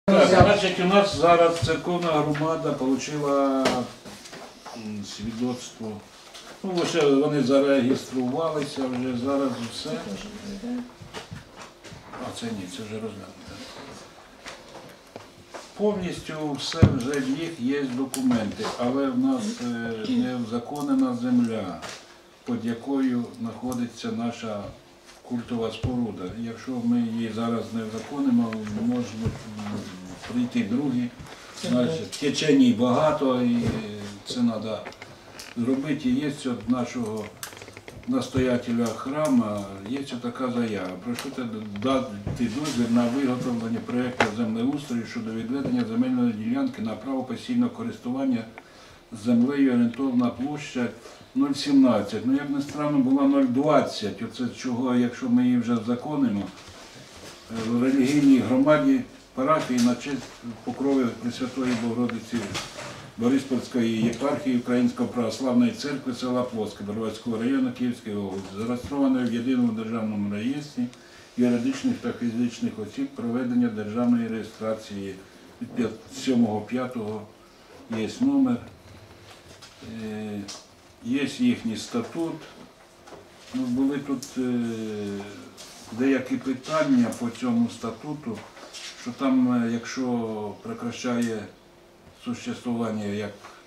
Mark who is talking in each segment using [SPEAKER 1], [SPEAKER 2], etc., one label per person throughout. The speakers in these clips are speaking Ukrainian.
[SPEAKER 1] Так, значить, у нас зараз церковна громада отримала свідоцтво. Ну, лише вони зареєструвалися вже, зараз все. А це ні, це вже розглянуто. Повністю все вже в їх є документи, але в нас не узаконена земля, під якою знаходиться наша культова споруда. Якщо ми її зараз не узаконимо, можуть прийти другі. Значить, теченій багато і це треба зробити. Є від нашого настоятеля храму, є така заява. Прошу дати дозвіл на виготовлення проєкту землеустрою щодо відведення земельної ділянки на право постійного користування землею, орієнтовна площа 0,17. Ну, як не странно, була 0,20. Оце чого, якщо ми її вже законимо, в релігійній громаді парафії на честь покрови Пресвятої Богородиці Бориспільської єпархії Української православної церкви села Плоске Броварського району Київської області, зареєстрованої в єдиному державному реєстрі юридичних та фізичних осіб проведення державної реєстрації від 7.5 є номер, є їхній статут. Ну, були тут деякі питання по цьому статуту, що там, якщо прекращає существування, як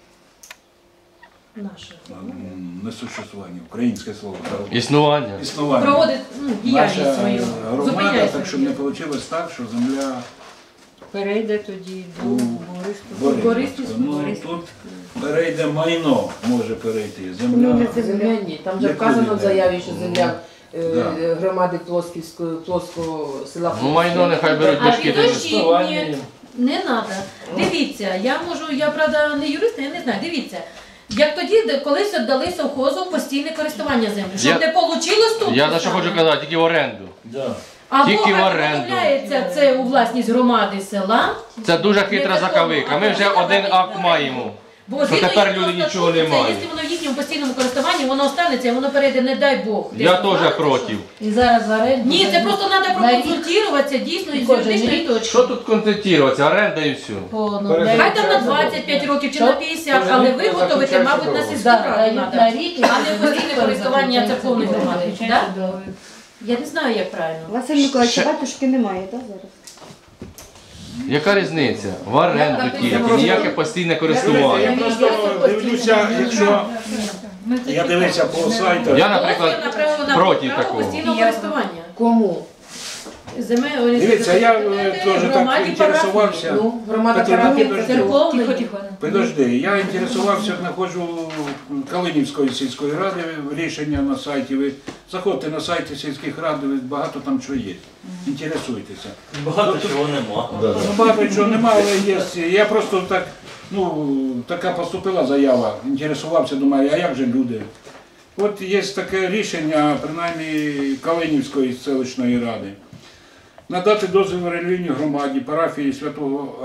[SPEAKER 1] не существування, українське слово.
[SPEAKER 2] Існування.
[SPEAKER 3] Проводить діяльність свою.
[SPEAKER 1] Громада, так щоб не вийшло так, що земля
[SPEAKER 3] перейде тоді до
[SPEAKER 1] Бориспільської. Ну, тут перейде майно, може перейти. Земля.
[SPEAKER 4] Земля ні. Там вже вказано в заяві, що земля громади Плоского села Плоске.
[SPEAKER 2] Ну, майно нехай беруть дошки до
[SPEAKER 3] інвестування. Не треба. Дивіться, я правда не юрист, я не знаю, дивіться. Як тоді колись віддали совхозу постійне користування землі. Щоб не вийшло тут.
[SPEAKER 2] Я за що хочу казати, тільки в оренду.
[SPEAKER 3] Або відмовляється це у власність громади села.
[SPEAKER 2] Це дуже хитра закавика. Ми вже один акт маємо.
[SPEAKER 3] Бо
[SPEAKER 2] що тепер люди нічого не мають.
[SPEAKER 3] Якщо воно в їхньому постійному користуванні, воно останеться, воно перейде, не дай Бог.
[SPEAKER 2] Я теж проти.
[SPEAKER 5] І зараз в оренду.
[SPEAKER 3] Ні, це просто треба проконсультуватися дійсно із юридичної точки.
[SPEAKER 2] Що тут концентруватися? Оренда і все.
[SPEAKER 3] Хай там на 25 років чи на 50, але виготовити, мабуть, на сільську раду треба, а не постійне користування церковної громади. Я не знаю, як правильно.
[SPEAKER 5] Василь Миколаївич, батюшки немає, так, зараз?
[SPEAKER 2] Яка різниця? В оренду тільки, ніяке постійне користування.
[SPEAKER 1] Я просто дивлюся, якщо я дивився по сайту.
[SPEAKER 2] Я, наприклад, проти такого.
[SPEAKER 3] Постійного користування.
[SPEAKER 4] Кому?
[SPEAKER 1] Дивіться, я теж так інтересувався.
[SPEAKER 4] Громада
[SPEAKER 3] Церковної.
[SPEAKER 1] Подожди, я інтересувався, знаходжу Калинівської сільської ради, рішення на сайті. Ви заходьте на сайті сільських рад, багато там чого є. Інтересуйтеся.
[SPEAKER 6] Багато чого нема.
[SPEAKER 1] Багато чого нема, але є. Я просто так, така поступила заява, інтересувався, думаю, а як же люди? От є таке рішення, принаймні, Калинівської селищної ради. Надати дозвіл релігійній громаді парафії святого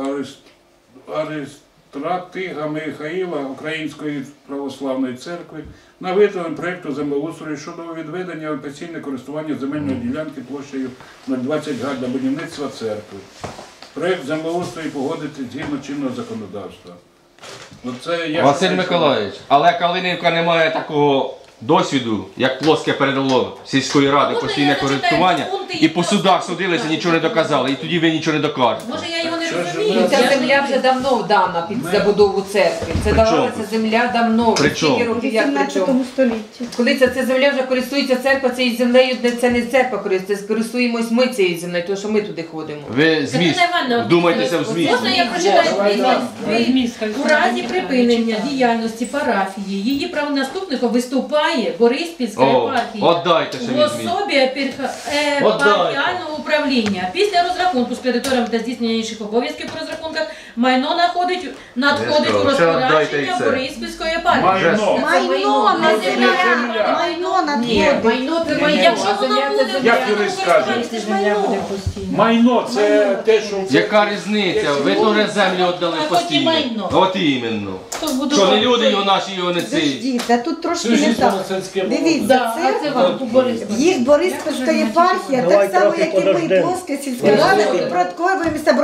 [SPEAKER 1] Аристратига Михаїла Української православної церкви на виготовлення проєкту землеустрою щодо відведення офіційне користування земельної ділянки площею 0,20 га для будівництва церкви. Проєкт землеустрою погодити згідно чинного законодавства.
[SPEAKER 2] Василь Миколаївич, але Калинівка не має такого досвіду, як Плоске передало сільської ради постійне користування, і по судах судилися, нічого не доказали, і тоді ви нічого не докажете.
[SPEAKER 3] Може, я його не розумію.
[SPEAKER 4] Ця земля вже давно дана під забудову церкви. Це давалася земля давно. Скільки років, як при чому?
[SPEAKER 5] столітті.
[SPEAKER 4] Коли ця земля вже користується церква, цією землею, це не церква користується, користуємось ми цією землею, тому що ми туди ходимо.
[SPEAKER 2] Ви зміст, вдумайтеся в зміст.
[SPEAKER 3] Можна я прочитаю зміст? У разі припинення діяльності парафії, її правонаступником виступає Бориспільська єпархія
[SPEAKER 2] Отдайте ще
[SPEAKER 3] в
[SPEAKER 2] візьміть.
[SPEAKER 3] особі епархіального управління. Після розрахунку з кредиторами та здійснення інших обов'язків по розрахунках майно надходить у розпорядження Бориспільської єпархії.
[SPEAKER 5] Майно на земля. Майно на
[SPEAKER 4] Майно це майно.
[SPEAKER 3] Якщо воно буде
[SPEAKER 1] Як юрист скаже?
[SPEAKER 3] це ж майно.
[SPEAKER 1] Майно – це те, що...
[SPEAKER 2] Яка різниця? Ви теж землю віддали постійно. От іменно. Що не люди його наші, його не ці.
[SPEAKER 5] Подождіть, а тут трошки не так. Дивіться, це їх Бориспільська єпархія, так само, як і ми, Плоска сільська рада, підпорядковує міста Броварський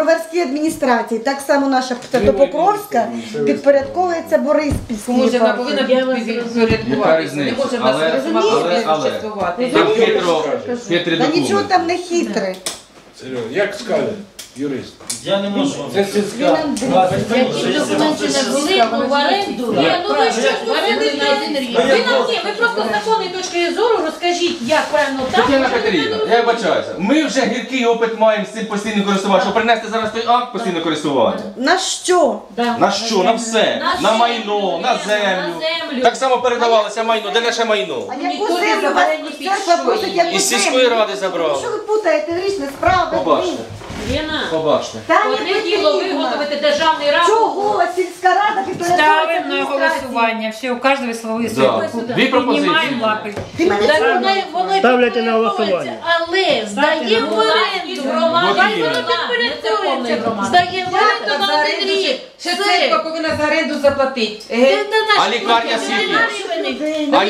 [SPEAKER 6] адміністрації, так само наша Святопокровська підпорядковується Бориспільській
[SPEAKER 4] Може, вона
[SPEAKER 6] єпархії.
[SPEAKER 4] повинна
[SPEAKER 2] Яка
[SPEAKER 4] підпорядкуватися. Не
[SPEAKER 2] різниця?
[SPEAKER 4] може в нас
[SPEAKER 2] Але-
[SPEAKER 4] существувати.
[SPEAKER 2] Там хитрий
[SPEAKER 6] Та нічого
[SPEAKER 2] документ.
[SPEAKER 6] там не хитре.
[SPEAKER 1] Серйозно, як скаже юрист?
[SPEAKER 5] Я не можу.
[SPEAKER 1] Це сільська.
[SPEAKER 3] Які документи не були, ну в оренду. Ні, ну ви що
[SPEAKER 5] в оренду на один рік.
[SPEAKER 3] Ви нам ні, ви просто з законної точки зору розкажіть, як правильно так.
[SPEAKER 2] Тетяна
[SPEAKER 3] щоб
[SPEAKER 2] Петрівна,
[SPEAKER 3] люди
[SPEAKER 2] я вибачаюся. Ми вже гіркий опит маємо з цим постійним користуванням. Що принести зараз той акт постійного користування?
[SPEAKER 6] На що?
[SPEAKER 3] Да.
[SPEAKER 2] На що? На все. На майно, на землю. Так само передавалося майно. Де наше майно?
[SPEAKER 6] А
[SPEAKER 4] Ніхто
[SPEAKER 6] яку
[SPEAKER 4] не
[SPEAKER 6] землю вас
[SPEAKER 4] забере ні під
[SPEAKER 6] церква
[SPEAKER 4] що
[SPEAKER 6] просить,
[SPEAKER 4] її.
[SPEAKER 6] яку
[SPEAKER 2] Із сільської
[SPEAKER 6] землю?
[SPEAKER 2] ради забрали.
[SPEAKER 6] Що ви путаєте в річні справи?
[SPEAKER 2] Побачте.
[SPEAKER 3] Лена,
[SPEAKER 2] Побачте.
[SPEAKER 6] Та не
[SPEAKER 3] одне діло
[SPEAKER 6] потрібно.
[SPEAKER 3] виготовити державний рапорт.
[SPEAKER 6] Чого сільська рада підпорядковується
[SPEAKER 7] Ставим на
[SPEAKER 6] адміністрації?
[SPEAKER 7] голосування. Все, у каждого свої
[SPEAKER 2] Да. Дві пропозиції.
[SPEAKER 7] Піднімаємо лапи.
[SPEAKER 6] Ти мене
[SPEAKER 8] Так
[SPEAKER 6] чуєш?
[SPEAKER 8] воно
[SPEAKER 5] Ставляйте на голосування.
[SPEAKER 8] але здає в оренду.
[SPEAKER 3] Громади,
[SPEAKER 8] Хай воно
[SPEAKER 3] не церковної
[SPEAKER 8] підпорядкується.
[SPEAKER 3] громади.
[SPEAKER 8] Здає в оренду
[SPEAKER 4] За
[SPEAKER 8] на один
[SPEAKER 4] оренду
[SPEAKER 8] рік.
[SPEAKER 4] ще церква повинна за оренду заплатити.
[SPEAKER 2] А лікарня скільки? А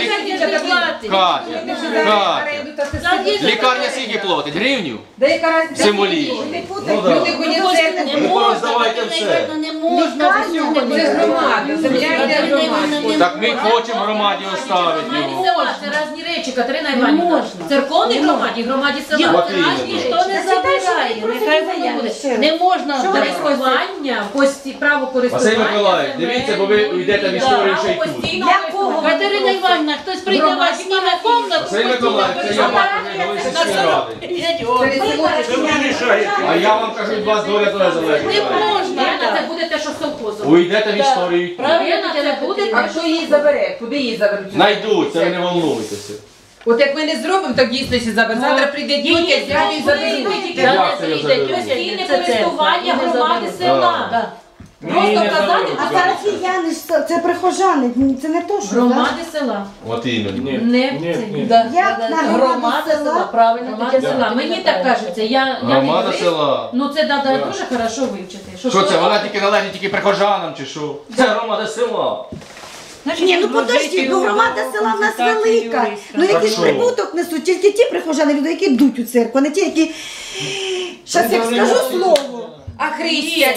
[SPEAKER 2] лікарня скільки платить? Гривню?
[SPEAKER 4] Да яка разниця?
[SPEAKER 2] Символічно.
[SPEAKER 6] Не путайте.
[SPEAKER 2] Ну, да.
[SPEAKER 4] Люди ходять церкву.
[SPEAKER 8] Не можна,
[SPEAKER 2] Роздавайте все.
[SPEAKER 8] не можна.
[SPEAKER 4] Це ж громада, земля йде громаді.
[SPEAKER 2] Так ми хочемо громаді оставити
[SPEAKER 3] Громаді
[SPEAKER 2] його.
[SPEAKER 3] села це різні речі, Катерина Іванівна. В церковній громаді, громаді села.
[SPEAKER 2] От
[SPEAKER 3] це
[SPEAKER 2] іменно.
[SPEAKER 3] різні
[SPEAKER 8] Ніхто
[SPEAKER 3] речі.
[SPEAKER 8] не забирає, нехай воно буде. Не можна
[SPEAKER 3] Користування, право користування.
[SPEAKER 2] Василь Миколаївич, дивіться, бо ви йдете в історію ще й тут.
[SPEAKER 6] Якого?
[SPEAKER 8] Катерина Іванівна, хтось прийде вас зніме комнату.
[SPEAKER 2] Василь Миколаївич, це я бачу, ви сільської ради.
[SPEAKER 1] Це ви рішаєте.
[SPEAKER 2] А я вам кажу, від вас доля теж залежить.
[SPEAKER 8] Не можна.
[SPEAKER 3] Лена, це буде те, що совхозом.
[SPEAKER 2] Уйдете в історію.
[SPEAKER 3] Лена, це буде
[SPEAKER 4] А
[SPEAKER 3] те,
[SPEAKER 4] хто її забере? Куди її заберуть?
[SPEAKER 2] Знайдуться, ви не волнуйтеся.
[SPEAKER 4] От як ми не зробимо, так дійсно ще забере. Завтра прийде тітя, дядя і заберуть.
[SPEAKER 2] Як це я заберу?
[SPEAKER 3] постійне користування громади села. Просто казати,
[SPEAKER 6] А парафіяни ж це прихожани, це не то, що так?
[SPEAKER 3] громади села.
[SPEAKER 2] От іменно.
[SPEAKER 3] Не це.
[SPEAKER 6] Як на громаду села?
[SPEAKER 8] правильно.
[SPEAKER 3] Громада села. Мені так кажеться. Я не
[SPEAKER 2] Громада
[SPEAKER 3] юрист.
[SPEAKER 2] села.
[SPEAKER 3] Ну це треба дуже хорошо вивчити.
[SPEAKER 2] Що це, вона тільки належить тільки прихожанам чи що? Це громада села.
[SPEAKER 6] Ні, ну подожди, ну громада села в нас велика. Ну якийсь
[SPEAKER 2] що?
[SPEAKER 6] прибуток несуть, тільки ті прихожани, люди, які йдуть у церкву, а не ті, які... Щас як скажу слово.
[SPEAKER 4] А християн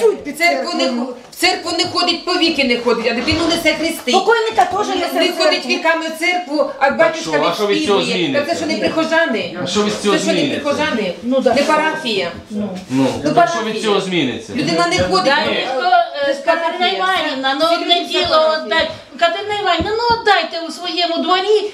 [SPEAKER 4] в церкву не ходить, по віки не ходить, а дитину несе хрести.
[SPEAKER 6] Покойника теж
[SPEAKER 4] Не
[SPEAKER 6] несе в
[SPEAKER 4] ходить
[SPEAKER 6] церкву.
[SPEAKER 4] віками в церкву, а батюшка
[SPEAKER 2] що? А що від цього
[SPEAKER 4] відспівує.
[SPEAKER 2] зміниться?
[SPEAKER 4] Так це що не прихожани?
[SPEAKER 2] А що від цього
[SPEAKER 4] Це що не
[SPEAKER 2] зміниться?
[SPEAKER 4] прихожани? Не парафія.
[SPEAKER 2] Ну, так що від цього зміниться?
[SPEAKER 4] Людина не ходить.
[SPEAKER 8] Да, ніхто, Катерина Іванівна, ну одне діло отдать. Катерина Іванівна, ну отдайте у своєму дворі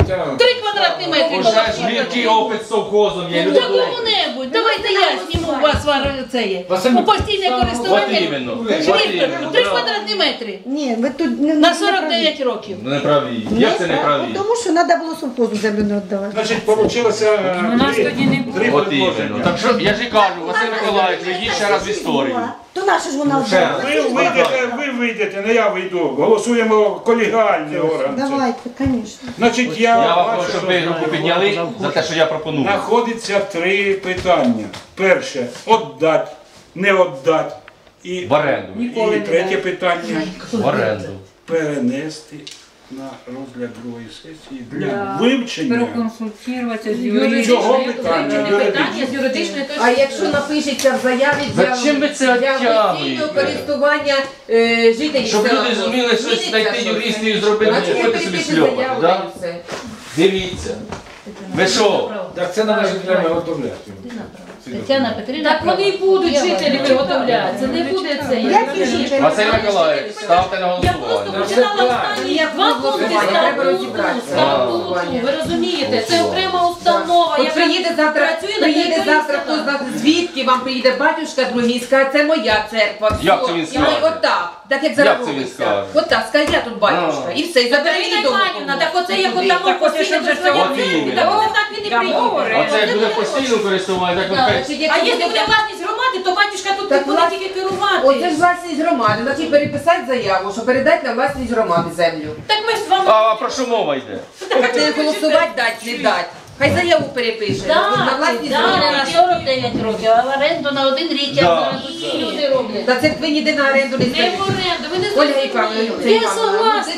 [SPEAKER 8] 3 квадратні метри.
[SPEAKER 2] Уже ж гіркий опит з совхозом є. Люди
[SPEAKER 8] Та кому-небудь, давайте я зніму у вас це є.
[SPEAKER 5] Василь
[SPEAKER 8] У постійне
[SPEAKER 2] От
[SPEAKER 8] користування.
[SPEAKER 2] іменно. От
[SPEAKER 8] Швидко,
[SPEAKER 2] іменно.
[SPEAKER 8] 3 квадратні метри.
[SPEAKER 6] Ні, ви тут не
[SPEAKER 8] На
[SPEAKER 6] не
[SPEAKER 8] 49 років.
[SPEAKER 2] Ну, не праві. Як це не праві?
[SPEAKER 6] Тому що треба було совхозу землю не віддавати.
[SPEAKER 1] Значить, получилося
[SPEAKER 7] У нас тоді не було.
[SPEAKER 1] три
[SPEAKER 2] От іменно.
[SPEAKER 1] предложення.
[SPEAKER 2] Так що я ж і кажу, Василь Миколаївич, ви йдіть ще раз в історію.
[SPEAKER 6] То наша ж вона
[SPEAKER 2] Ще раз.
[SPEAKER 6] вдала.
[SPEAKER 1] Ви вийдете, не я вийду. Голосуємо колегіальний орган.
[SPEAKER 6] Давайте, звісно.
[SPEAKER 1] Значить,
[SPEAKER 2] Я вам
[SPEAKER 1] бачу,
[SPEAKER 2] хочу, щоб ви руку підняли за те, що я пропоную.
[SPEAKER 1] знаходиться 3 питання. Перше, отдать, не отдать. І,
[SPEAKER 2] В оренду.
[SPEAKER 1] і третє питання
[SPEAKER 2] В оренду.
[SPEAKER 1] перенести на розгляд другої сесії для вивчення.
[SPEAKER 7] Проконсультуватися з
[SPEAKER 1] Чого
[SPEAKER 7] юридичною.
[SPEAKER 1] питання?
[SPEAKER 3] Питання з юридичної точки
[SPEAKER 4] А якщо напишеться в заяві
[SPEAKER 2] Зачем ви це
[SPEAKER 4] для
[SPEAKER 2] оттягуєте?
[SPEAKER 4] постійного користування жителів
[SPEAKER 2] Щоб
[SPEAKER 4] села,
[SPEAKER 2] люди зуміли щось
[SPEAKER 4] зміниться
[SPEAKER 2] знайти
[SPEAKER 4] щось?
[SPEAKER 2] юристів і зробити,
[SPEAKER 4] Значить,
[SPEAKER 2] не
[SPEAKER 4] я
[SPEAKER 2] ходити собі
[SPEAKER 4] перепишу
[SPEAKER 2] сльопати,
[SPEAKER 4] заяву,
[SPEAKER 2] да?
[SPEAKER 4] та й все.
[SPEAKER 2] Дивіться. Ви що?
[SPEAKER 5] Так це належить для виготовляти.
[SPEAKER 8] Тетяна Петрівна.
[SPEAKER 3] Так вони й будуть жителі виготовляти. Це не буде це.
[SPEAKER 6] Які жителі?
[SPEAKER 2] Василь Миколаївич, ставте на
[SPEAKER 3] Я просто
[SPEAKER 2] голосування.
[SPEAKER 3] починала останні
[SPEAKER 4] Ніяк
[SPEAKER 3] 2 пункти
[SPEAKER 4] голосування, треба
[SPEAKER 3] статуту.
[SPEAKER 4] розібратися.
[SPEAKER 3] Ви розумієте, це окрема установа,
[SPEAKER 4] От
[SPEAKER 3] яка
[SPEAKER 4] приїде завтра,
[SPEAKER 3] працює на
[SPEAKER 4] приїде
[SPEAKER 3] території
[SPEAKER 4] завтра, хто
[SPEAKER 3] села.
[SPEAKER 4] знає, звідки вам приїде батюшка другий, скаже, це моя церква. все.
[SPEAKER 2] Як це він
[SPEAKER 4] І ми
[SPEAKER 2] скаже?
[SPEAKER 4] отак, так як
[SPEAKER 2] Як
[SPEAKER 4] зараз
[SPEAKER 2] це він
[SPEAKER 4] робиться.
[SPEAKER 2] скаже?
[SPEAKER 4] Отак, скаже, я тут батюшка. І все, і забере
[SPEAKER 3] Катерина
[SPEAKER 4] її дому.
[SPEAKER 3] Іванівна, так оце як
[SPEAKER 4] Туди.
[SPEAKER 3] отамо постійне користування
[SPEAKER 2] От
[SPEAKER 3] церкви,
[SPEAKER 2] іменно.
[SPEAKER 3] так оце так він і приїде.
[SPEAKER 2] Оце як буде постійно користування, так
[SPEAKER 4] Так,
[SPEAKER 2] от
[SPEAKER 4] значить,
[SPEAKER 3] А
[SPEAKER 4] якщо
[SPEAKER 3] якщо
[SPEAKER 4] буде
[SPEAKER 3] буде власність громади, то батюшка тут не
[SPEAKER 4] Так,
[SPEAKER 3] буде
[SPEAKER 4] влас-
[SPEAKER 3] тільки
[SPEAKER 4] Оце
[SPEAKER 3] керувати.
[SPEAKER 4] ж власність громади, значить переписати заяву, що передати на власність громади землю.
[SPEAKER 3] Так ми ж з вами...
[SPEAKER 2] А про що мова йде?
[SPEAKER 4] Так не голосувати дать, не дать. Хай заяву перепише.
[SPEAKER 3] Так,
[SPEAKER 4] На власність
[SPEAKER 3] так.
[SPEAKER 8] Не
[SPEAKER 4] громади.
[SPEAKER 8] на 49 років, а в оренду на 1 рік, як
[SPEAKER 2] Да.
[SPEAKER 8] зараз усі люди роблять.
[SPEAKER 4] Та церкви ніде на оренду не
[SPEAKER 3] Не в
[SPEAKER 4] здають.
[SPEAKER 3] оренду, ви не
[SPEAKER 4] Ольга Івановна,
[SPEAKER 3] зрозумієте.
[SPEAKER 4] це
[SPEAKER 8] Я
[SPEAKER 4] Івановна,
[SPEAKER 8] согласна.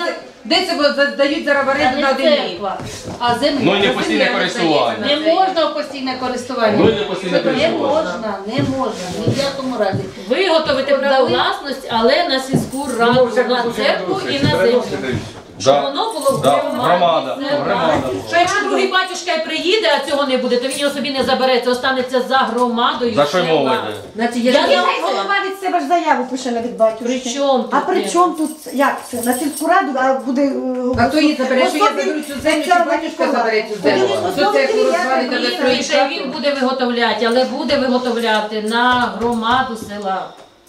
[SPEAKER 4] Де це дають зараз в оренду на один рік?
[SPEAKER 8] церква, а земля.
[SPEAKER 2] Ну і не постійне користування.
[SPEAKER 8] Не можна в постійне користування.
[SPEAKER 2] Ну і не постійне
[SPEAKER 8] Не
[SPEAKER 2] користування.
[SPEAKER 8] можна, ні в якому разі.
[SPEAKER 3] Виготовити право власності, але на сільську раду, на церкву і на землю. Щоб
[SPEAKER 2] Да.
[SPEAKER 3] воно було в
[SPEAKER 2] Да.
[SPEAKER 3] громаді.
[SPEAKER 2] Громада.
[SPEAKER 3] Це
[SPEAKER 2] Громада.
[SPEAKER 3] так. Що якщо другий батюшка й приїде, а цього не буде, то він його собі не забере, це останеться за громадою.
[SPEAKER 2] За що й
[SPEAKER 3] села.
[SPEAKER 2] мова йде?
[SPEAKER 4] Значить,
[SPEAKER 3] Я
[SPEAKER 4] я
[SPEAKER 3] не
[SPEAKER 6] Хай голова від себе ж заяву пише на від батюшки.
[SPEAKER 3] При чому тут?
[SPEAKER 6] А при чому тут, як це, на сільську раду, а буде...
[SPEAKER 4] А хто її забере, що я заберу цю землю, чи батюшка забере цю землю? Що церкву розвалить, а
[SPEAKER 3] Ні,
[SPEAKER 4] строїть
[SPEAKER 3] ще він буде виготовляти, але буде виготовляти на громаду села.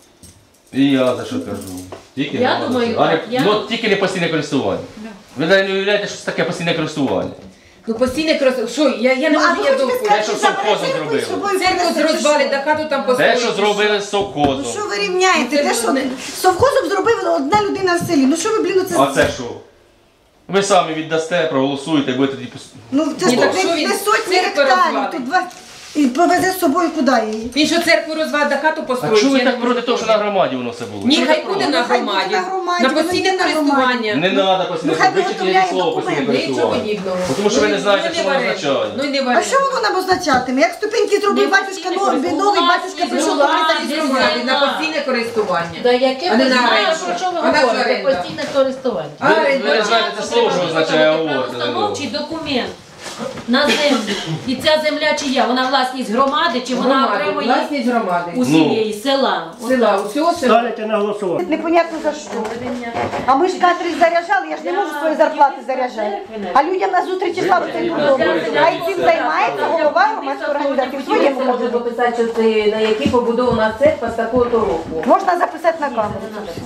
[SPEAKER 2] І я за що кажу. Тільки
[SPEAKER 3] Я
[SPEAKER 2] громада.
[SPEAKER 3] думаю,
[SPEAKER 2] Але,
[SPEAKER 3] так, я-
[SPEAKER 2] ну, тільки не постійне користування. Ви навіть не уявляєте, що це таке постійне користування.
[SPEAKER 4] Ну постійне крос... Що, я не
[SPEAKER 6] Ну, а
[SPEAKER 4] можу,
[SPEAKER 6] ви
[SPEAKER 4] я
[SPEAKER 6] хочете
[SPEAKER 4] довго.
[SPEAKER 6] сказати,
[SPEAKER 2] Те, що
[SPEAKER 6] що забере
[SPEAKER 2] совхозом
[SPEAKER 6] церкву і
[SPEAKER 2] зробили.
[SPEAKER 6] з собою
[SPEAKER 4] Церкву
[SPEAKER 6] принесе, чи
[SPEAKER 4] розвалить,
[SPEAKER 6] що?
[SPEAKER 4] а хату там
[SPEAKER 2] Те,
[SPEAKER 4] построїть.
[SPEAKER 2] що зробили з
[SPEAKER 6] Ну
[SPEAKER 2] совхозом.
[SPEAKER 6] що ви рівняєте?
[SPEAKER 4] Це
[SPEAKER 6] Те,
[SPEAKER 4] ж
[SPEAKER 6] що
[SPEAKER 4] не-
[SPEAKER 6] совхозом зробив одна людина в селі. Ну що ви, блін, оце...
[SPEAKER 2] А це що? Ви самі віддасте, проголосуєте, будете тоді...
[SPEAKER 6] Ну це
[SPEAKER 4] Ні,
[SPEAKER 6] ж
[SPEAKER 4] так
[SPEAKER 6] не,
[SPEAKER 4] що він
[SPEAKER 6] не сотні
[SPEAKER 4] церкву
[SPEAKER 6] гектарів,
[SPEAKER 4] розвалить?
[SPEAKER 6] тут два... І повезе з собою куди її?
[SPEAKER 4] Він що церкву розвалить, а хату
[SPEAKER 2] А
[SPEAKER 4] построїть?
[SPEAKER 2] чого ви
[SPEAKER 4] Я
[SPEAKER 2] так
[SPEAKER 4] не
[SPEAKER 2] проти
[SPEAKER 4] можу.
[SPEAKER 2] того, що на громаді воно все було?
[SPEAKER 4] Ні,
[SPEAKER 2] Чого ви
[SPEAKER 4] хай
[SPEAKER 2] проти?
[SPEAKER 4] буде на
[SPEAKER 6] Хай буде
[SPEAKER 4] громаді.
[SPEAKER 6] на громаді,
[SPEAKER 4] На
[SPEAKER 6] воно
[SPEAKER 4] постійне
[SPEAKER 6] є на
[SPEAKER 4] користування.
[SPEAKER 2] Не треба постійне
[SPEAKER 6] Ну, хай
[SPEAKER 2] вичити
[SPEAKER 6] виготовляє
[SPEAKER 2] слово постійне
[SPEAKER 6] документи.
[SPEAKER 4] Нічого
[SPEAKER 2] користування.
[SPEAKER 4] подібного.
[SPEAKER 2] Тому що ви не знаєте,
[SPEAKER 4] Ну,
[SPEAKER 2] що
[SPEAKER 4] в
[SPEAKER 2] воно
[SPEAKER 4] оренду.
[SPEAKER 2] означає.
[SPEAKER 4] Ну і не в
[SPEAKER 6] А
[SPEAKER 4] оренду.
[SPEAKER 6] що воно нам означатиме? Як ступеньки зробив батюшка, новий батюшка прийшов до
[SPEAKER 4] Власність
[SPEAKER 6] Христа
[SPEAKER 4] громади на постійне користування.
[SPEAKER 8] Да яке
[SPEAKER 4] А не
[SPEAKER 8] ви
[SPEAKER 4] на
[SPEAKER 8] знаєте,
[SPEAKER 4] оренду.
[SPEAKER 8] про що ви
[SPEAKER 4] А на що
[SPEAKER 8] говорите?
[SPEAKER 4] оренда?
[SPEAKER 8] Постійне користування.
[SPEAKER 4] А оренда?
[SPEAKER 2] Ви не знаєте це слово, що означає, а говорите за нього.
[SPEAKER 3] Правоустановчий документ на землю. І ця земля чия? Вона власність громади, чи вона
[SPEAKER 4] Громади,
[SPEAKER 3] окремо є
[SPEAKER 4] власність громади.
[SPEAKER 3] усієї села?
[SPEAKER 4] Села, усього села.
[SPEAKER 5] Ставите на голосування.
[SPEAKER 6] Непонятно за що. А ми ж кадрі заряджали, я ж не можу свої зарплати заряджати. А людям на зустрічі слава цей подобається. Хай цим займається голова громадської організації в своєму
[SPEAKER 4] Можна
[SPEAKER 6] кабінеті.
[SPEAKER 4] дописати, що це на якій побудована церква з такого-то року.
[SPEAKER 6] Можна записати на камеру.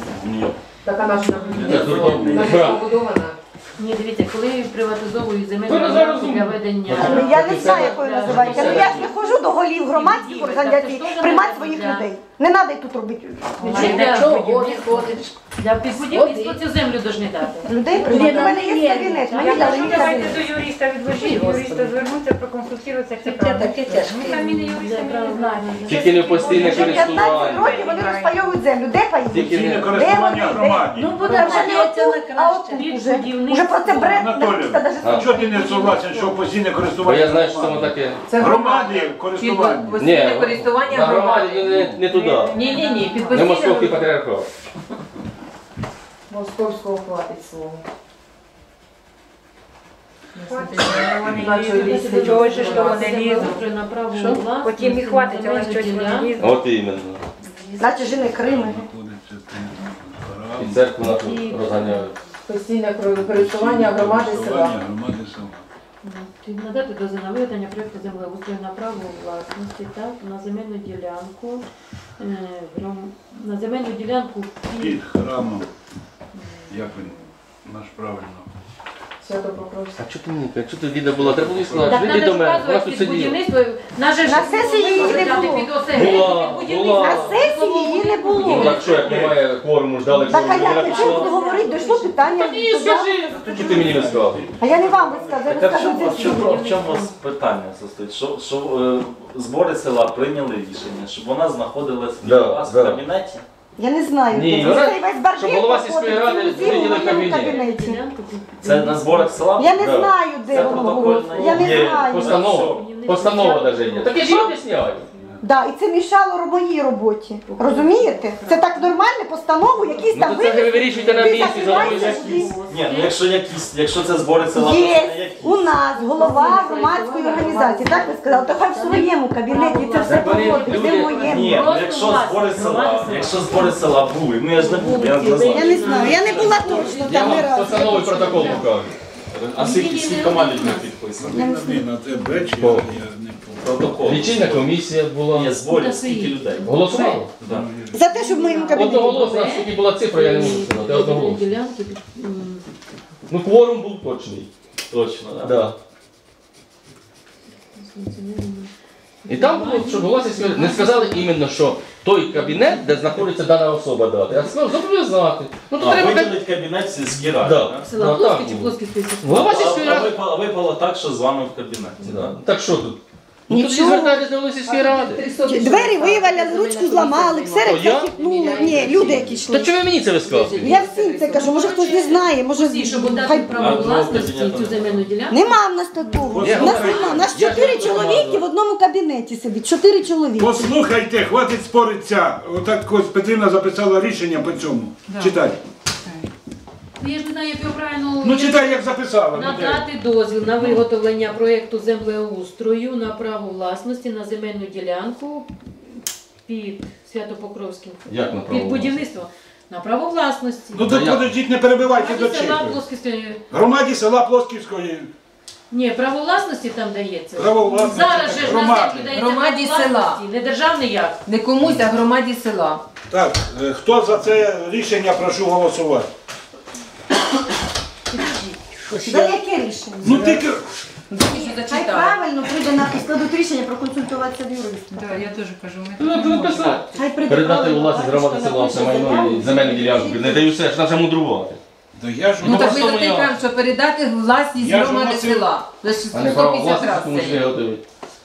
[SPEAKER 4] Така наша побудована.
[SPEAKER 3] Ні, дивіться, коли приватизовують земельну ділянку для ведення...
[SPEAKER 6] Я не знаю, якою називається. Ну я ж не ходжу до голів громадських організацій приймати своїх людей. Не треба тут робити.
[SPEAKER 3] Для підбудівництва цю землю должны дати.
[SPEAKER 6] Людей приймати. У мене є кабінет, мені дали мій
[SPEAKER 7] Давайте
[SPEAKER 6] кабінет.
[SPEAKER 7] до юриста відложити, юриста звернутися, проконсультуватися, як це правильно. Ми самі не юристи, ми не знаємо.
[SPEAKER 2] Тільки не постійне
[SPEAKER 6] Вже 15
[SPEAKER 2] користування.
[SPEAKER 6] років вони розпайовують землю. Де паї?
[SPEAKER 2] Тільки не
[SPEAKER 6] Де вони? Де?
[SPEAKER 8] Ну, буде
[SPEAKER 6] Вже не
[SPEAKER 8] вважається
[SPEAKER 6] отут,
[SPEAKER 8] на
[SPEAKER 6] а
[SPEAKER 8] краще.
[SPEAKER 6] отут уже про це бред.
[SPEAKER 9] Анатолій, чого ти не согласен, що постійне
[SPEAKER 2] Бо
[SPEAKER 9] користування?
[SPEAKER 2] я знаю, що це воно таке.
[SPEAKER 4] Це
[SPEAKER 9] Громади користування.
[SPEAKER 4] Постійне користування
[SPEAKER 2] на громаді
[SPEAKER 4] громади.
[SPEAKER 2] не туди.
[SPEAKER 4] Ні, під
[SPEAKER 2] Не московський
[SPEAKER 4] постійне
[SPEAKER 2] патріархат.
[SPEAKER 4] московського хватить слово.
[SPEAKER 7] Чого ж, що вони лізуть?
[SPEAKER 3] Що?
[SPEAKER 7] Потім і хватить, але щось вони лізуть.
[SPEAKER 2] От іменно.
[SPEAKER 6] Наче жени Крими.
[SPEAKER 1] Знаходиться там
[SPEAKER 2] І церкву на тут розганяють.
[SPEAKER 4] Постійне користування громади села.
[SPEAKER 1] громади села.
[SPEAKER 3] Надати дозвіл на виготовлення проєкту землеустрою на право власності, так, на земельну ділянку, на земельну ділянку
[SPEAKER 1] Під храмом. Як він? Наш правильно.
[SPEAKER 4] Свято Покровське.
[SPEAKER 2] А чого ти мені? Чого ти діда була? Треба було сказати.
[SPEAKER 3] Так
[SPEAKER 2] Іди
[SPEAKER 3] треба
[SPEAKER 2] до мене. Вона
[SPEAKER 3] вказувати
[SPEAKER 2] тут
[SPEAKER 3] під
[SPEAKER 2] сиділа.
[SPEAKER 3] будівництво. На
[SPEAKER 6] сесії її не було.
[SPEAKER 2] Була.
[SPEAKER 6] На сесії її не
[SPEAKER 2] Ну
[SPEAKER 6] було.
[SPEAKER 2] так що, як немає кворуму, ждали
[SPEAKER 6] Так, а
[SPEAKER 2] кворуму,
[SPEAKER 6] як
[SPEAKER 2] людина
[SPEAKER 6] ти чого
[SPEAKER 2] пішла.
[SPEAKER 6] говорити? Дійшло питання.
[SPEAKER 2] Так і скажи. Чого ти мені не сказав?
[SPEAKER 6] А я не вам висказую, я
[SPEAKER 10] Так,
[SPEAKER 6] розкажу
[SPEAKER 10] в
[SPEAKER 6] це
[SPEAKER 10] чому,
[SPEAKER 6] всім.
[SPEAKER 10] в чому питання состоїть? Що збори села прийняли рішення, щоб вона знаходилась
[SPEAKER 2] Да,
[SPEAKER 10] у вас
[SPEAKER 2] да.
[SPEAKER 10] в кабінеті?
[SPEAKER 6] Я не знаю,
[SPEAKER 2] Ні,
[SPEAKER 6] де
[SPEAKER 2] вона-
[SPEAKER 6] це. Цей весь барбір
[SPEAKER 2] щоб голова сільської
[SPEAKER 6] проходить
[SPEAKER 2] ради
[SPEAKER 6] цілу зиму в
[SPEAKER 2] виділив
[SPEAKER 6] моєму
[SPEAKER 2] кабінет.
[SPEAKER 6] кабінеті.
[SPEAKER 10] Це на зборах села?
[SPEAKER 6] Я не
[SPEAKER 2] Да.
[SPEAKER 6] знаю, де
[SPEAKER 10] Це
[SPEAKER 6] воно
[SPEAKER 10] протокольно
[SPEAKER 6] голосує. Я не
[SPEAKER 2] Є
[SPEAKER 6] знаю.
[SPEAKER 2] постанова. Постанова навіть є. Так я ж її об'ясняю.
[SPEAKER 6] Да, і це мішало моїй роботі. Розумієте? Це так нормально, постанову, якісь
[SPEAKER 2] Ну
[SPEAKER 6] там
[SPEAKER 2] то це ви вирішуєте на
[SPEAKER 6] ви
[SPEAKER 2] місці,
[SPEAKER 6] закриваєте
[SPEAKER 2] задумуєте.
[SPEAKER 6] собі.
[SPEAKER 10] Ні, ну якщо це збори села, то
[SPEAKER 6] Є
[SPEAKER 10] це не якісь.
[SPEAKER 6] у нас голова громадської організації, так ви сказали, то хай в своєму кабінеті це все
[SPEAKER 2] Так вони
[SPEAKER 6] проводить, не в
[SPEAKER 2] люди-
[SPEAKER 6] моєму.
[SPEAKER 10] Ні, ну якщо збори села були, ну я ж не був, я не
[SPEAKER 6] Я
[SPEAKER 10] знаю.
[SPEAKER 6] не знаю, я не була точно
[SPEAKER 2] Я
[SPEAKER 6] там не
[SPEAKER 2] вам
[SPEAKER 6] разу.
[SPEAKER 2] постанову і протокол покажу.
[SPEAKER 10] А скільки команд не підписано?
[SPEAKER 1] На те беч я не
[SPEAKER 10] Протокол.
[SPEAKER 2] Лічильна комісія була.
[SPEAKER 10] Ні, зборів скільки людей?
[SPEAKER 2] Голосували?
[SPEAKER 10] Да.
[SPEAKER 6] За те, щоб в моєму кабінеті.
[SPEAKER 2] Одноголосно, скільки була цифра, я не можу сказати. Одноголосно.
[SPEAKER 3] ділянки.
[SPEAKER 2] Ну кворум був точний.
[SPEAKER 10] Точно, так.
[SPEAKER 2] Да. І там було, що голова сільської ради, не сказали іменно, що той кабінет, де знаходиться дана особа дати, а сказали зобов'язати. Ну то
[SPEAKER 10] А
[SPEAKER 2] треба
[SPEAKER 10] виділить кабінет в сільській раді,
[SPEAKER 2] Да.
[SPEAKER 10] так?
[SPEAKER 3] Села
[SPEAKER 2] Да,
[SPEAKER 3] Плоский
[SPEAKER 2] так
[SPEAKER 3] чи
[SPEAKER 2] було.
[SPEAKER 3] Плоский список?
[SPEAKER 2] Голова сільської ради.
[SPEAKER 10] А випало так, що з вами в кабінеті.
[SPEAKER 2] Да. Так що тут? Ну тоді звертайтесь до сільської ради.
[SPEAKER 6] Двері виваляли, ручку зламали, ксерик
[SPEAKER 2] я?
[SPEAKER 6] захитнули. Ні, люди які йшли.
[SPEAKER 2] Та чому ви мені це висказуєте?
[SPEAKER 6] Я всім це кажу, може хтось не знає, може
[SPEAKER 3] Всі, щоб дати право власності цю земельну ділянку.
[SPEAKER 6] Нема в нас такого.
[SPEAKER 2] Ні,
[SPEAKER 6] У нас нема. У нас 4 чоловіки в одному кабінеті сидить. 4 чоловіки.
[SPEAKER 9] Послухайте, хватить споритися. Отак ось Петрина записала рішення по цьому. Читай.
[SPEAKER 3] Я ж не знаю, як його правильно
[SPEAKER 9] Ну читай, як записала. ну, де?
[SPEAKER 3] надати дозвіл на виготовлення проєкту землеустрою на право власності на земельну ділянку під Свято-Покровським.
[SPEAKER 2] Як на право
[SPEAKER 3] Під будівництво. На право власності.
[SPEAKER 9] Ну то подождіть, не перебивайте до
[SPEAKER 3] Громаді села
[SPEAKER 9] чого.
[SPEAKER 3] Плосківської.
[SPEAKER 9] Громаді села Плосківської.
[SPEAKER 3] Ні, право власності там дається.
[SPEAKER 9] Право власності,
[SPEAKER 3] Зараз же ж на
[SPEAKER 9] громади.
[SPEAKER 3] землі дається
[SPEAKER 4] Громаді
[SPEAKER 3] право
[SPEAKER 4] села.
[SPEAKER 3] власності, не державний як.
[SPEAKER 4] Не комусь, а громаді села.
[SPEAKER 9] Так, хто за це рішення, прошу голосувати.
[SPEAKER 6] За яке рішення?
[SPEAKER 9] Ну тільки...
[SPEAKER 6] Хай правильно прийде на складуть рішення проконсультуватися з юристом.
[SPEAKER 5] Так, я теж кажу, ми
[SPEAKER 2] Ну,
[SPEAKER 5] тут не
[SPEAKER 2] написати.
[SPEAKER 5] можемо.
[SPEAKER 6] Хай прийде
[SPEAKER 2] Передати у
[SPEAKER 6] правильно,
[SPEAKER 2] власність громади
[SPEAKER 6] бачите,
[SPEAKER 2] села все
[SPEAKER 6] напише
[SPEAKER 2] майно і земельну ділянку. Не даю все, ж нам вже мудрувати.
[SPEAKER 9] Да я ж
[SPEAKER 4] Ну так
[SPEAKER 2] просто
[SPEAKER 4] ви
[SPEAKER 2] я.
[SPEAKER 4] кажете, що передати власність
[SPEAKER 9] Я ж
[SPEAKER 4] громади
[SPEAKER 9] вносив-
[SPEAKER 4] села. За
[SPEAKER 2] А не право
[SPEAKER 4] 150
[SPEAKER 2] власності комусь
[SPEAKER 4] разів.
[SPEAKER 2] виготовити.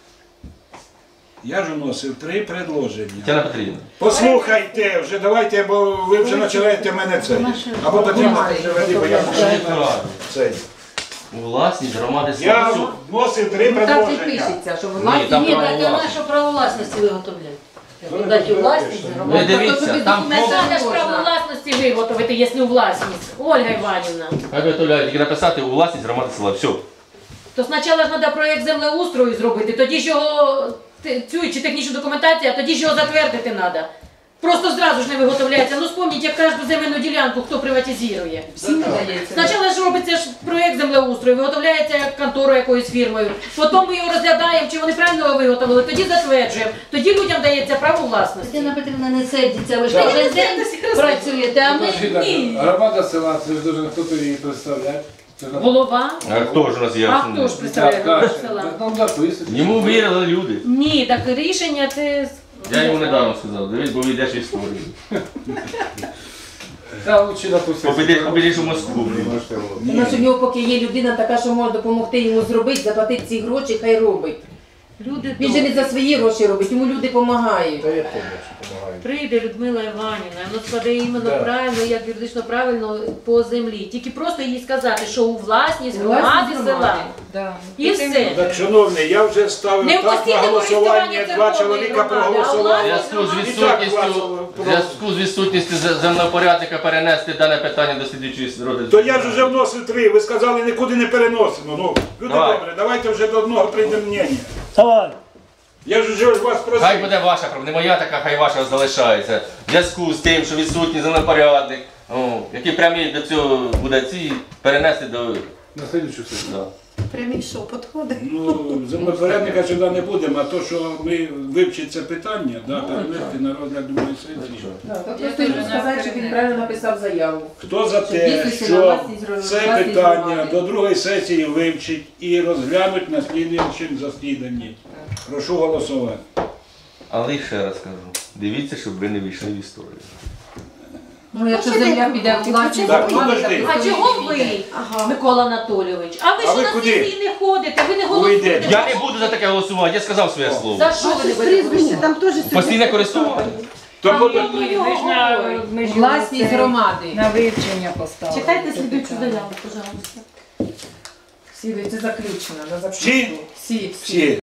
[SPEAKER 9] Я ж вносив 3 предложення.
[SPEAKER 2] Тетяна Петрівна.
[SPEAKER 9] Послухайте вже, давайте, бо ви вже починаєте мене це. Або Петрівна вже бо я вже цей.
[SPEAKER 2] У власність громади
[SPEAKER 9] Я
[SPEAKER 2] села. Все.
[SPEAKER 9] вносив 3
[SPEAKER 4] Ну так і
[SPEAKER 9] предложення.
[SPEAKER 4] пишеться, що
[SPEAKER 2] Ні,
[SPEAKER 4] власність.
[SPEAKER 2] там
[SPEAKER 8] Ні,
[SPEAKER 2] право
[SPEAKER 8] так а
[SPEAKER 2] власності.
[SPEAKER 8] нашу право власності виготовляють. Дати у власність
[SPEAKER 2] Ви
[SPEAKER 8] громаді.
[SPEAKER 2] дивіться, там
[SPEAKER 3] Треба ж право власності виготовити, якщо у власність. Ольга Іванівна.
[SPEAKER 2] хай виготовляють, тільки написати у власність громади села. Все.
[SPEAKER 3] То спочатку ж треба проєкт землеустрою зробити, тоді ж його цю чи технічну документацію, а тоді ж його затвердити треба. Просто зразу ж не виготовляється. Ну спомніть, як кожну земельну ділянку хто приватизує.
[SPEAKER 4] Всім надається.
[SPEAKER 3] Спочатку ж робиться ж проєкт землеустрою, виготовляється конторою якоюсь фірмою. Потім ми його розглядаємо, чи вони правильно його виготовили, тоді затверджуємо. Тоді людям дається право власності.
[SPEAKER 8] Тетяна Петрівна, не сердіться, ви ж кожен день працюєте, а ми ні.
[SPEAKER 5] Громада села, це ж дуже хто її представляє.
[SPEAKER 3] Голова.
[SPEAKER 2] А хто ж у нас є?
[SPEAKER 3] А хто ж представляє голову села?
[SPEAKER 5] Нам записують.
[SPEAKER 2] Йому вірили люди.
[SPEAKER 3] Ні, так рішення це...
[SPEAKER 2] Я йому недавно сказав, дивись, бо війдеш в історію.
[SPEAKER 5] Та лучше допустити.
[SPEAKER 2] Побідеш у Москву.
[SPEAKER 4] Тому що в нього поки є людина така, що може допомогти йому зробити, заплатити ці гроші, хай робить.
[SPEAKER 3] Люди
[SPEAKER 4] Він же не за свої гроші робить, йому люди допомагають.
[SPEAKER 5] Та я теж допомагаю.
[SPEAKER 3] Прийде Людмила Іванівна, воно складе іменно правильно, як юридично правильно по землі. Тільки просто їй сказати, що у власність громади села. І все.
[SPEAKER 9] Так, шановний, я вже ставив
[SPEAKER 3] Не в
[SPEAKER 9] так на
[SPEAKER 3] постійному
[SPEAKER 9] голосування,
[SPEAKER 3] користуванні
[SPEAKER 9] 2
[SPEAKER 3] церковної
[SPEAKER 9] чоловіка
[SPEAKER 3] громади, а
[SPEAKER 9] проголосували.
[SPEAKER 2] В зв'язку з відсутністю землепорядника перенести дане питання до слідуючої роди.
[SPEAKER 9] То я ж вже вносив 3, ви сказали, нікуди не переносимо. Ну, люди
[SPEAKER 2] Давай.
[SPEAKER 9] добре, давайте вже до одного прийдемо мнення. Я ж вже вас
[SPEAKER 2] Хай
[SPEAKER 9] просив.
[SPEAKER 2] буде ваша проблема, не моя така, хай ваша залишається. В зв'язку з тим, що відсутній землепорядник, який прямий до цього буде ці перенести до...
[SPEAKER 5] На слідчу сесію.
[SPEAKER 2] Да.
[SPEAKER 6] Прямий що, підходить?
[SPEAKER 9] Ну, землепорядника сюди не будемо, а то, що ми вивчимо це питання, да, перенести на розгляд другої сесії.
[SPEAKER 4] Просто йому сказати, щоб він правильно написав заяву.
[SPEAKER 9] Хто за те, що це питання до другої сесії вивчить і розглянуть на слідуючому засіданні? Прошу голосувати.
[SPEAKER 2] Але ще раз кажу, дивіться, щоб ви не вийшли в історію.
[SPEAKER 4] Ну, якщо земля піде в власність
[SPEAKER 9] Так,
[SPEAKER 4] громади,
[SPEAKER 9] подожди.
[SPEAKER 3] А чого ви, Микола Анатолійович? А ви
[SPEAKER 9] А
[SPEAKER 3] ж
[SPEAKER 9] ви
[SPEAKER 3] на
[SPEAKER 9] куди?
[SPEAKER 3] сесії не ходите, ви не
[SPEAKER 9] Ви
[SPEAKER 3] голосуєте.
[SPEAKER 9] йдете.
[SPEAKER 2] Я не буду за таке голосувати, я сказав своє слово.
[SPEAKER 3] За що ви не будете
[SPEAKER 6] Прізвище,
[SPEAKER 3] голосувати?
[SPEAKER 6] там теж сидить.
[SPEAKER 2] Постійне користування.
[SPEAKER 9] То
[SPEAKER 3] А
[SPEAKER 9] буде-
[SPEAKER 3] ми його говоримо.
[SPEAKER 4] власність громади.
[SPEAKER 5] На вивчення поставили.
[SPEAKER 3] Читайте слідуючу заяву, пожалуйста.
[SPEAKER 4] Всі, це заключено, на
[SPEAKER 9] Всі?
[SPEAKER 4] заключну. Всі.
[SPEAKER 9] Всі.